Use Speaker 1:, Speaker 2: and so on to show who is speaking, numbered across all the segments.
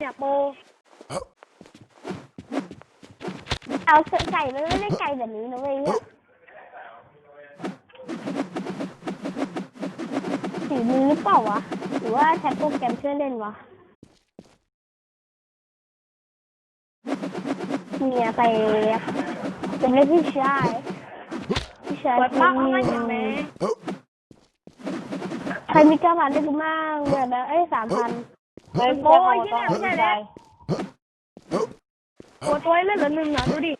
Speaker 1: เนี่ยโป
Speaker 2: เอาไก่มันไม่ได้ไก่แบบนี้นะเว้ยสีมือหรือเปล่าวะหรือว่าใช้โปรแกรมเชื่อเล่นวะเนี่ยไปเป็นเรื่องพี่ชาย
Speaker 1: เปิดปากเอาไว้อย่างแม่
Speaker 2: ใครมี9,000ได้กูมั่งแบบ3,000
Speaker 1: โอ้ยที่ไหนไม่ใช่เลยตัวเล่นเหลือ1อ่ะดูดิ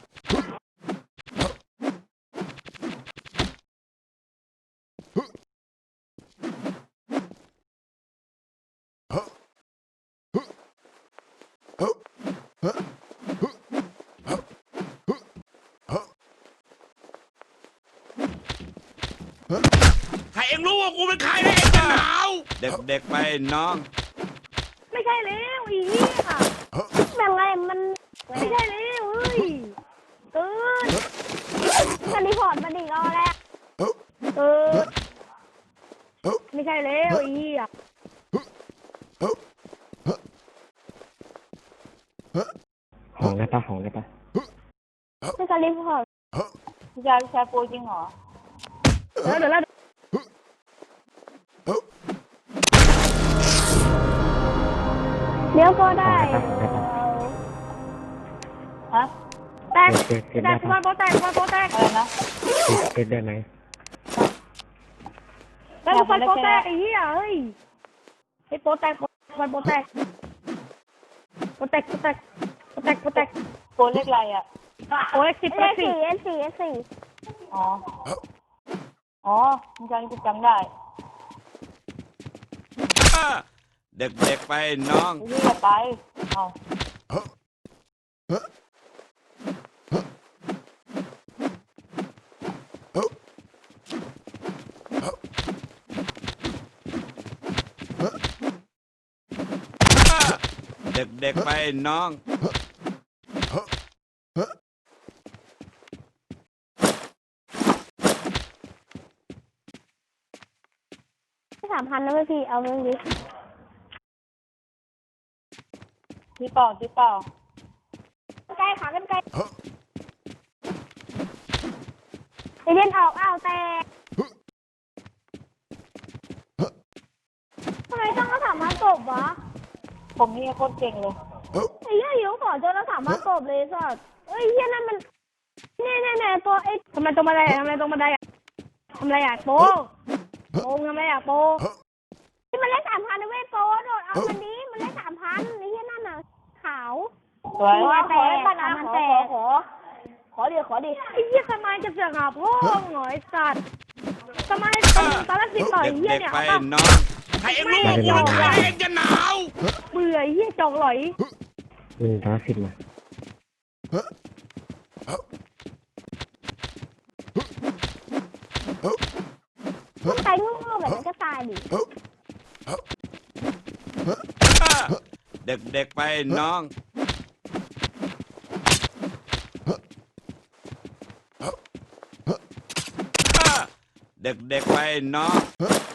Speaker 3: ถ้าเอ็งรู้ว่ากูเป็นใครแล้วเอ็งจะหนาวเด็กๆไปน้อง
Speaker 1: ไม่ใช่แล้วอีนี่ค่ะ
Speaker 2: แบบไงมัน
Speaker 1: ไม่ใช่แล้วเฮ้ย
Speaker 2: มันรีพอร์ตมาดิรอแล้ว
Speaker 1: ไม่ใช่แล้วอีอ่ะ
Speaker 4: ของได้ปะ
Speaker 2: ไม่การรีพอร์ต
Speaker 1: ยาชาโปจริงเหรอเดี๋ยว
Speaker 2: ก็ได้
Speaker 1: ฮะแตกมาโปแตกอะไรนะ
Speaker 4: เทสได้ไหม
Speaker 1: แล้วไฟโปแตกไอ้เหี้ยเฮ้ยไอ้โปแตกไฟโปแตกโปเล็กไรอ่ะโปเล็ก10
Speaker 2: S4
Speaker 1: อ๋อมึงจำได้
Speaker 3: เด็กๆไปน้อง
Speaker 1: นี่อย่าไปเอา
Speaker 3: เด็กๆไปน้อง
Speaker 2: 3,000นะพี่เอาเรื่องนี้
Speaker 1: ที่เปล่า
Speaker 2: ใกล้ขากันใกล้ไอเล่นออกแต่ทำไมต้องเอา3,000กบวะ
Speaker 1: ผมนี่โคตรเก่งเลย
Speaker 2: ไอ้เหี้ยขอเจอแล้ว3,000กบเลยสัสเอ้ยเหี้ยนั่นมันแน่ตัวไอ้
Speaker 1: ทำไมตรงบันไดอ่ะโปทำอะไรอ่ะโป
Speaker 2: ที่มันเล่น3,000นะเว้ยโปโดดเอามันนี้มันเล่น3,000ไอ้เหี้ยนั่นน่ะขาว
Speaker 1: สวย
Speaker 2: แต่มันแต่
Speaker 1: ขอดิไอ้เหี้ยทำไมจะเสือกหาพ่อหน่อยสัตว์ทำไมตอนแรกติดต่อยเหี้ย
Speaker 3: เด็ก
Speaker 1: เนี่ย
Speaker 3: ๆไป
Speaker 1: เอา
Speaker 3: น้องถ้าเอ็งรู้ว่ากูเป็นใครแล้วเอ็งจะหนาว
Speaker 1: เบื่อเหี้ยจอกหลอย
Speaker 4: 110มา
Speaker 2: ใครโง่แบบนั้นก็ตายดิ
Speaker 3: เด็กๆไปน้องเด็กๆไปน้อง